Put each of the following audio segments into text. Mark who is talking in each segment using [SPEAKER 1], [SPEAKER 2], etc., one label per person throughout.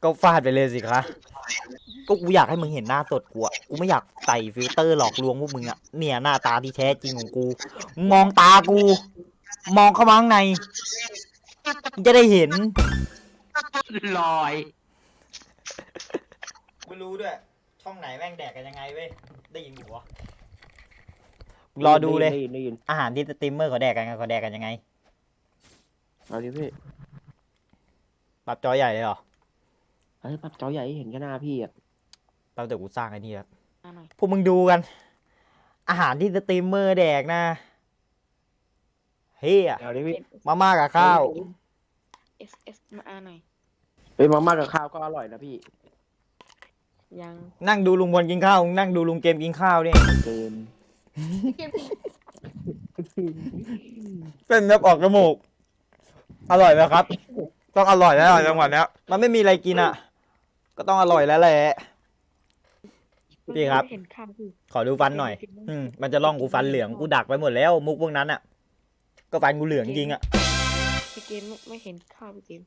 [SPEAKER 1] ก็ฟาดไปเลยสิคะก็กูอยากให้มึงเห็นหน้าสดกูอะกูไม่อยากใส่ฟิลเตอร์หลอกลวงพวกมึงอะเนี่ยหน้าตาที่แท้จริงของกูมองตากูมองเข้ามาข้างในมึงจะได้เห็น
[SPEAKER 2] ลอย
[SPEAKER 1] กูรู้ด้วยช่องไหนแม่งแดกกันยังไงเว้ยได้ยินหัวรอดูเลยอาหารที่สตรีมเมอร์เขาแดกกันยังไง
[SPEAKER 3] เอาดิพี่
[SPEAKER 1] ปรับจอใหญ่เลยเหรอ
[SPEAKER 3] เฮ้ยปับจอใหญ่เห็นแค่หน้าพี่อ่ะ
[SPEAKER 1] แป๊บเดี๋ยวกูสร้างไอ้นี่ครับพวกมึงดูกันอาหารที่สตรีมเมอร์แดกนะเฮีย
[SPEAKER 3] เอาดิพี่
[SPEAKER 1] มาม่ากับข้าว
[SPEAKER 4] เอสมาหน่อย
[SPEAKER 3] เฮ้ยมาม่ากับข้าวก็อร่อยนะพี่
[SPEAKER 4] ยัง
[SPEAKER 1] นั่งดูลุงบอลกินข้าวนั่งดูลุงเกมกินข้าวนี่
[SPEAKER 3] เกม
[SPEAKER 1] เป็นแบบออกจมูกอร่อยไหมครับต้องอร่อยแล้วจังหวะนี้มันไม่มีอะไรกินอ่ะก็ต้องอร่อยแล้วแหละพี่ครับขอดูฟันหน่อยมันจะล่องกูฟันเหลืองกูดักไปหมดแล้วมุกพวกนั้นอ่ะก็ฟันกูเหลืองจริงอ่ะ
[SPEAKER 4] พี่เกมไม่เห็นข้าวพี่เกม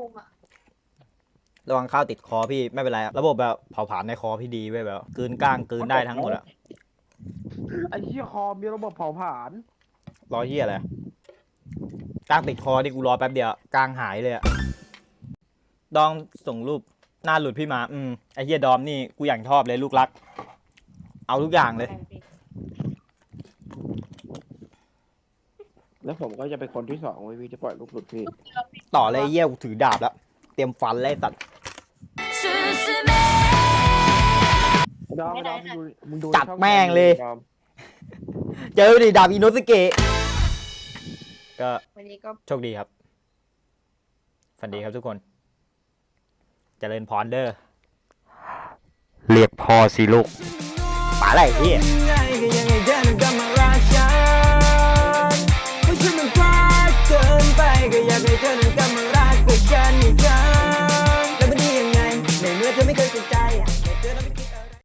[SPEAKER 1] ระวังข้าวติดคอพี่ไม่เป็นไรระบบแบบเผาผลาญในคอพี่ดีเว้ยแบบกลืนก้างกลืนได้ทั้งหมดอ่ะ
[SPEAKER 3] ไอ้เหี้ยคอมีระบบเผาผลาญ
[SPEAKER 1] รอเหี้ยอะไรก้างติดคอที่กูรอแป๊บเดียวก้างหายเลยอะดองส่งรูปหน้าหลุดพี่มาไอ้เหี้ยดอมนี่กูอย่างชอบเลยลูกรักเอาทุกอย่างเลย
[SPEAKER 3] แล้วผมก็จะเป็นคนที่สองไว้พี่จะปล่อยลูกหลุดพี่
[SPEAKER 1] ต่อเลยเหี้ยกูถือดาบแล้วเตรียมฟันเลยสัตว์
[SPEAKER 3] ดอมมึงดู
[SPEAKER 1] จัดแม่งเลยเจอดิดาบอิโนสเกะก็
[SPEAKER 4] วันนี้ก็
[SPEAKER 1] โชคดีครับฝันดีครับทุกคนเจริญพรเด้อเรียกพอสิลูกป๋าอะไรพี่